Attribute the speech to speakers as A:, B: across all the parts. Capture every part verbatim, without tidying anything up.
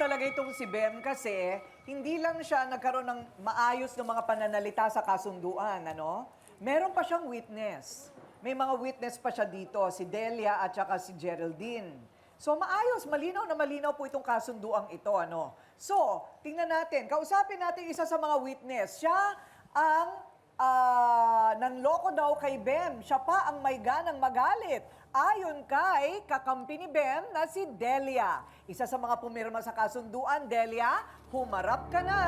A: talaga itong si Bem kasi hindi lang siya nagkaroon ng maayos ng mga pananalita sa kasunduan, ano? Meron pa siyang witness. May mga witness pa siya dito, si Delia at saka si Geraldine. So maayos, malinaw na malinaw po itong kasunduang ito, ano? So, tingnan natin, kausapin natin isa sa mga witness. Siya ang ah, nanloko daw kay Bem. Siya pa ang may ganang magalit. Ayon kay kakampi ni Bem na si Delia. Isa sa mga pumirma sa kasunduan, Delia, humarap ka na.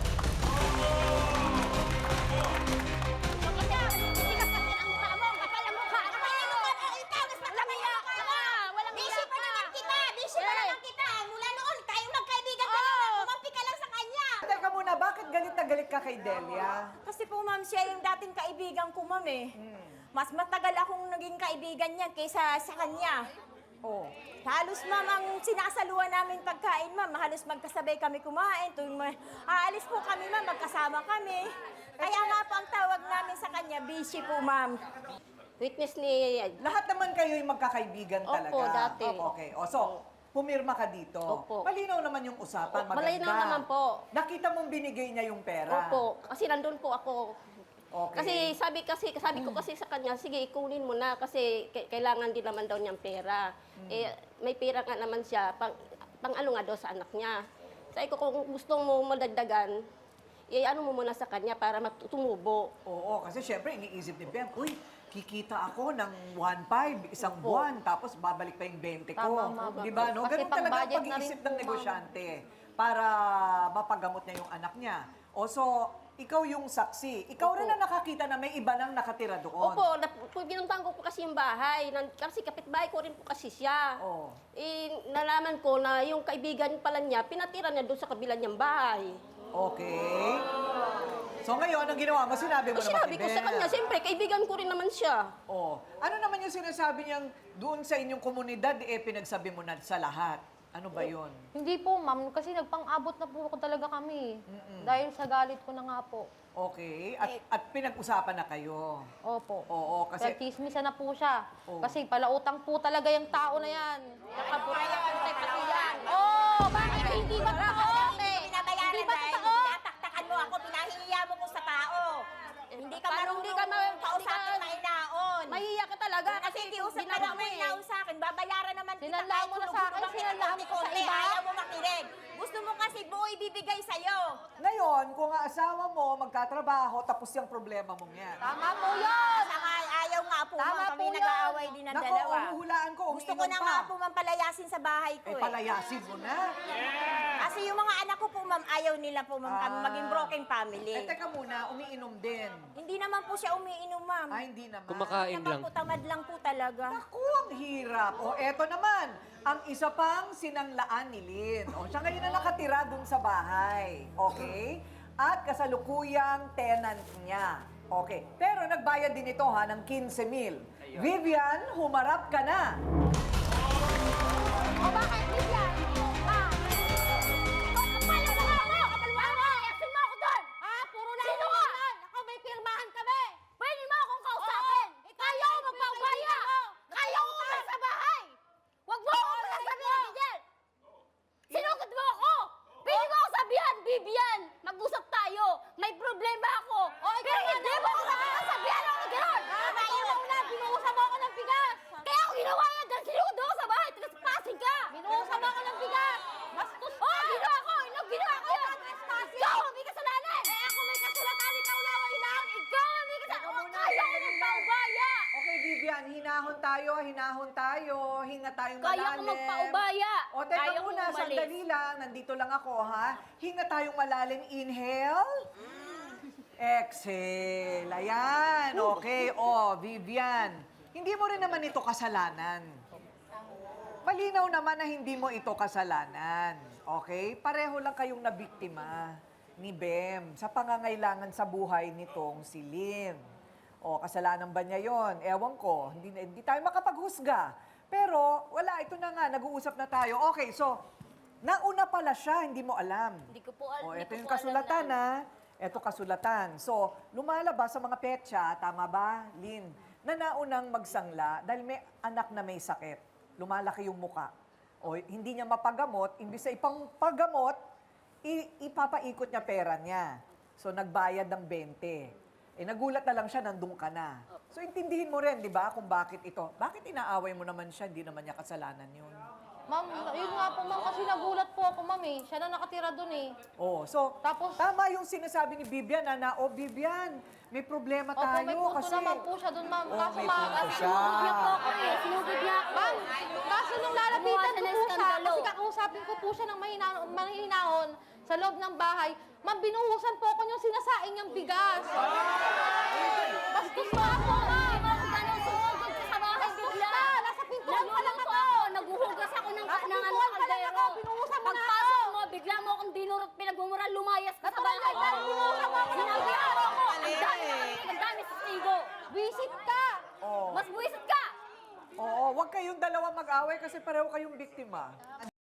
A: Teka muna, bakit galit na galit ka kay Delia?
B: Kasi po, ma'am, siya yung dating kaibigan ko, ma'am, eh. Mas matagal akong naging kaibigan niya kaysa sa kanya.
A: Oh.
B: Halos, ma'am, ang sinasaluhan namin pagkain, ma'am. Halos magkasabay kami kumain. Tuwing ma- aalis po kami, ma'am, magkasama kami. Kaya nga po ang tawag namin sa kanya, busy po, ma'am.
C: Witness ni...
A: Lahat naman kayo yung magkakaibigan
C: Opo,
A: talaga.
C: dati.
A: Opo, okay. O, so, pumirma ka dito.
C: Opo.
A: Malinaw naman yung usapan,
C: Opo,
A: maganda.
C: malinaw naman po.
A: Nakita mong binigay niya yung pera.
C: Opo, kasi nandun po ako.
A: Okay.
C: Kasi sabi kasi sabi ko kasi sa kanya, sige, ikunin mo na kasi k- kailangan din naman daw niyang pera. Eh, may pera nga naman siya, pang, pang ano nga daw sa anak niya. Sabi ko, kung gusto mo madagdagan, eh, ano mo muna sa kanya para matumubo.
A: Oo, kasi syempre iniisip ni Bem, uy, kikita ako ng one five isang
C: Opo.
A: buwan, tapos babalik pa yung twenty ko.
D: Tama, ma'am.
A: Di ba, no?
D: Kasi
A: Ganun talaga ang
D: pang-budget na rin
A: pag-iisip
D: po,
A: ng
D: ma'am.
A: negosyante para mapagamot niya yung anak niya. O so, ikaw yung saksi. Ikaw
C: Opo.
A: rin na nakakita na may iba nang nakatira doon.
C: Opo, nap- pinuntahan ko po kasi yung bahay. Nan- Kasi kapitbahay ko rin po kasi siya.
A: Oo.
C: Eh, nalaman ko na yung kaibigan pala niya, pinatira niya doon sa kabila niyang bahay.
A: Okay. So ngayon, ang ginawa mo, sinabi mo
C: Eh,
A: naman
C: sinabi
A: kay
C: ko sa
A: Bem.
C: kanya, siyempre, kaibigan ko rin naman siya.
A: Oh. Ano naman yung sinasabi niyang doon sa inyong komunidad, eh, pinagsabi mo na sa lahat? Ano ba yun?
D: Hindi po, ma'am, kasi nagpang-abot na po ako talaga kami. Dahil sa galit ko na nga po.
A: Okay. At, at pinag-usapan na kayo.
D: Opo.
A: Oo, kasi...
D: Kasi chismisan na po siya.
A: Oo.
D: Kasi palautang po talaga yung tao na yan.
B: Nakaburaya ko tayo pati yan.
D: Oh, bakit hindi ba tao?
B: Hindi ko binabayaran
D: Hindi ba
B: dahil
D: totoo?
B: tinataktakan mo ako, pinahihiya mo ko sa tao. Hindi ka
C: Paano
B: marunong
C: hindi ka ma-
B: kausapin
C: hindi ka-
B: mahinaon.
C: Mahiya ka talaga
B: Kasi
C: kasi
B: kiusap ka
C: ginawa
B: lang
C: mo
B: mo
C: eh.
B: inaon sa akin, babayaran naman kita
D: Sinanla
B: kahit
D: mo na sa
B: hulugan
D: akin,
B: ka
D: sinanla mo ko sa
B: konti,
D: iba.
B: ayaw mo makinig. Gusto mo kasi buo ibibigay sa'yo.
A: Ngayon, kung ang asawa mo magkatrabaho, tapos yung problema mong yan.
D: Tama po yun!
B: Saka ayaw nga po,
D: Tama
B: ma'am, kami
D: po yun.
B: nag-aaway din ng
A: Nako,
B: dalawa.
A: umuhulaan ko,
B: Gusto ko
A: umiinom
B: na
A: pa.
B: nga po, ma'am, palayasin sa bahay ko
A: Eh,
B: eh.
A: palayasin mo na.
B: Kasi yung mga anak ko po, ma'am, ayaw nila po, ma'am, kami
A: Ah.
B: maging broken family.
A: Eh, teka muna, umiinom din.
B: Hindi naman po siya umiinom, ma'am.
A: Ah, hindi naman.
E: Kumakain
B: Naman
E: lang.
B: po, tamad lang po talaga.
A: Naku, ang hirap. O, eto naman, ang isa pang sinanglaan ni Lynn. O, siya ngayon na nakatira dun sa bahay. Okay? At kasalukuyang tenant niya. Okay. Pero nagbayad din ito ha ng quince mil. Vivian, humarap ka na.
D: O bakit, Vivian? Ha? Kapal mo nga ako! Kapal mo ako! Iasin mo ako doon! Ha? Puro na Sino ka? Ako may pirmahan kami! Pwede mo akong kausapin! Kaya ko magpaubaya! Kaya ko umalis sa bahay! Huwag mo akong pagsasabihan, Vivian! Sinugod mo ako! Pwede mo ako sabihan, Vivian! Mag-usap tayo! May problema ako! Pero hindi mo ako nakakasabihan ako na gano'n! Nakatulong na! Binuusan mo ako ng bigas! Kaya ako ginawa yan dahil sinugod mo ako sa bahay! Tagas-pasing ka! Binuusan mo ako ng bigas! Bastos ka! Oo, ginawa ko! Ino, ginawa ko yun! Ikaw ang may kasalanan! Eh ako may kasulatan! Ikaw laway lang! Ikaw ang may kasalanan! Kaya ko magpaubaya!
A: Okay, Vivian, hinahon tayo, hinahon tayo, hinga tayong
D: Kaya
A: malalim.
D: ko magpaubaya.
A: O, teka
D: Kaya ko
A: muna,
D: umalis.
A: sandali lang. Nandito lang ako, ha? Hinga tayong malalim. Inhale. Exhale. Ayan. Okay. O, Vivian. Hindi mo rin naman ito kasalanan. Malinaw naman na hindi mo ito kasalanan. Okay? Pareho lang kayong nabiktima ni Bem sa pangangailangan sa buhay nitong si Lynn. O, kasalanan ba niya yon? Ewan ko. Hindi, hindi tayo makapaghusga. Pero, wala. Ito na nga. Nag-uusap na tayo. Okay, so, nauna pala siya. Hindi mo alam.
D: Hindi ko po alam.
A: O,
D: hindi
A: ito
D: ko
A: yung
D: po alam
A: kasulatan,
D: na-
A: ha? Ito kasulatan. So, lumalabas sa mga petsa, tama ba, Lynn, na naunang magsangla dahil may anak na may sakit. Lumalaki yung muka. O hindi niya mapagamot, imbis na ipang paggamot, i- ipapaikot niya pera niya. So nagbayad ng twenty. Eh nagulat na lang siya, nandun ka na. So intindihin mo rin, di ba, kung bakit ito. Bakit inaaway mo naman siya, hindi naman niya kasalanan yun.
D: Ma'am, yun nga po, ma'am, kasi nagulat po ako, ma'am eh. Siya na nakatira dun eh.
A: Oh, so
D: Tapos-
A: tama yung sinasabi ni Bibian na, na oh Bibian, may problema
D: Opo,
A: tayo
D: may punto
A: kasi.
D: naman po siya dun, ma'am.
A: Oh,
D: Kaso
A: may
D: ma'am,
A: punto
D: kasi
A: siya.
D: sinugod niya po ako eh. Sinugod niya ako. Ma'am, kaso nung lalapitan
C: Gumawa
D: ko
C: siya ng
D: po siya,
C: skandalo.
D: kasi kakausapin ko po siya ng mahinahon, mahinahon sa loob ng bahay, ma'am, binuhusan po ako yung sinasaing niyang bigas. Bastos mo ako, ma'am.
C: Sumugod ka sa bahay bigla.
D: Nasa pintuan pa lang
C: Nagluto
D: ako.
C: ako, naguhugas ako ng,
D: Nasa
C: ng ano,
D: pintuan pa lang
C: kaldero.
D: ako, binuhusan mo na ako.
C: Pagpasok mo, bigla mo akong dinurot, pinagmumura, lumayas ka sa
D: Nasa
C: bahay.
D: barangay, pero binuhusan mo ako.
C: Sinabi ako ako, ang dami nakarinig, ang dami testigo.
D: Visit ka.
A: Oh.
C: Mas buwisit ka.
A: Oo, wag kayong dalawa mag-away kasi pareho kayong biktima.